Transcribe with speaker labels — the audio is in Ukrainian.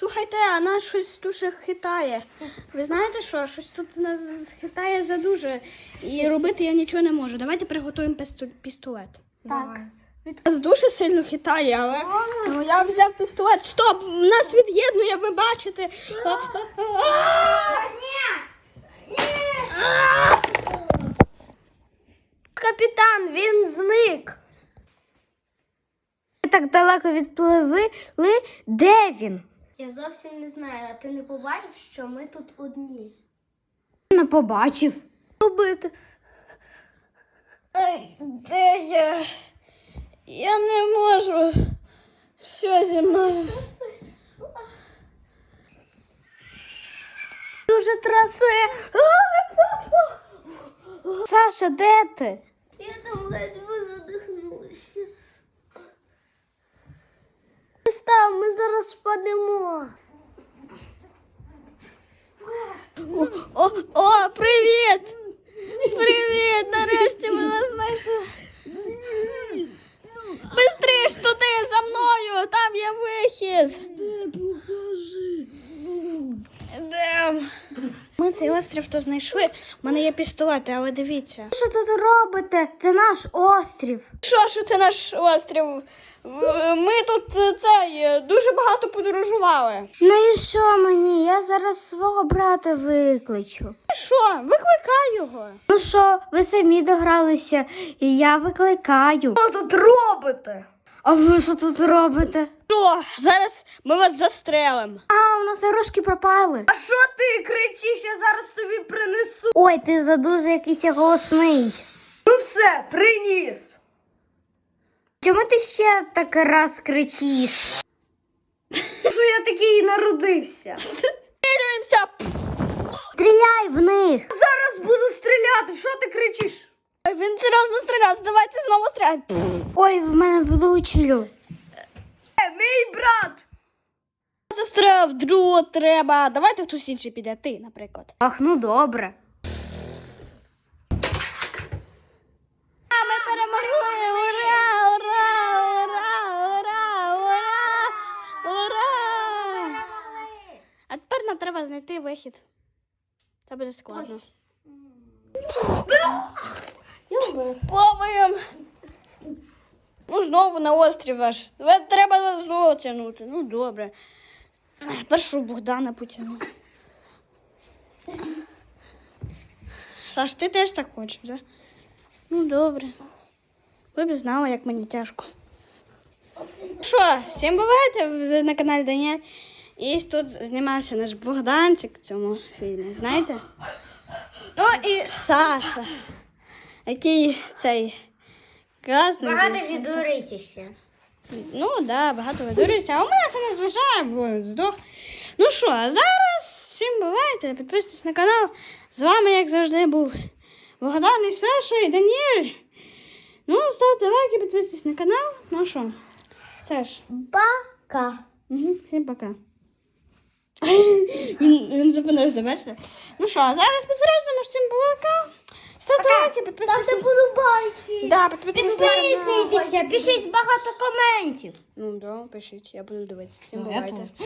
Speaker 1: Слухайте, а нас щось дуже хитає. Ви знаєте що? Щось тут нас хитає задуже. І робити я нічого не можу. Давайте приготуємо пістолет.
Speaker 2: Так.
Speaker 1: Нас дуже сильно хитає, але я взяв пістолет. Стоп! Нас від'єднує, ви бачите.
Speaker 2: Капітан, він зник. Ми так далеко відпливли. Де він? Я зовсім не знаю, а ти не побачив, що ми тут одні? Не побачив. Робити.
Speaker 1: Де я? Я не можу. Що зі мною?
Speaker 2: Дуже трасе. Саша, де ти? Я там ледве задихнулася. Став, ми зараз впадемо.
Speaker 1: О, привіт! Привіт! Нарешті ми вас знайшли. Бистріш туди, за мною! Там є вихід!
Speaker 2: Де, покажи.
Speaker 1: Де? Ми цей острів то знайшли. У мене є пістолети, але дивіться.
Speaker 2: Що тут робите? Це наш острів.
Speaker 1: Що це наш острів? Ми тут дуже багато подорожували.
Speaker 2: Ну і що мені? Я зараз свого брата викличу.
Speaker 1: Що? Викликай його.
Speaker 2: Ну що, ви самі догралися, і я викликаю.
Speaker 1: Що тут робите?
Speaker 2: А ви що тут робите?
Speaker 1: Що? Зараз ми вас застрелимо.
Speaker 2: А, у нас ігрушки пропали.
Speaker 1: А що ти кричиш? Я зараз тобі принесу.
Speaker 2: Ой, ти задуже якийсь голосний.
Speaker 1: Ну все, приніс.
Speaker 2: Чому ти ще так раз кричиш?
Speaker 1: Що я такий і народився. Стрілюємося.
Speaker 2: Стріляй в них.
Speaker 1: Зараз буду стріляти. Що ти кричиш? Він серйозно стріляє. Давайте знову стріляти.
Speaker 2: Ой, в мене влучили.
Speaker 1: Мій брат. Застрелив, другого треба. Давайте хтось інший піде. Ти, наприклад.
Speaker 2: Ах, ну добре.
Speaker 1: Ми перемогли! Ура! Ура! Ура! Ура! Ура! Ура! А тепер нам треба знайти вихід. Це буде складно. Плаваємо! Ну, знову на острів аж. Треба вас знову тягнути. Ну, добре. Першу Богдана потягну. Саш, ти теж так хочеш, так? Ну, добре. Ви б знали, як мені тяжко. Що, всім бувайте на каналі Даніель. І тут знімався наш Богданчик в цьому фільмі, знаєте? Ну і Саша, який цей класний.
Speaker 2: Багато відуриться ще.
Speaker 1: Ну, так, да, багато видурюється, а у мене це не зважає, бо здох. Ну що, а зараз всім бувайте, підписуйтесь на канал. З вами, як завжди, був Богдан і Саша і Даніель. Ну, ставте лайки, підписуйтесь на канал. Ну що, Саш?
Speaker 2: Пока.
Speaker 1: Угу, всім пока. Він зупинився, бачите? Ну що, а зараз посередньо всім пока. Ставте лайки, підписуйтесь.
Speaker 2: Ставте подобайки.
Speaker 1: Да, підписуйтесь на канал.
Speaker 2: Підписуйтеся, пишіть багато коментів.
Speaker 1: Ну, да, пишіть, я буду дивитися. Всім бувайте.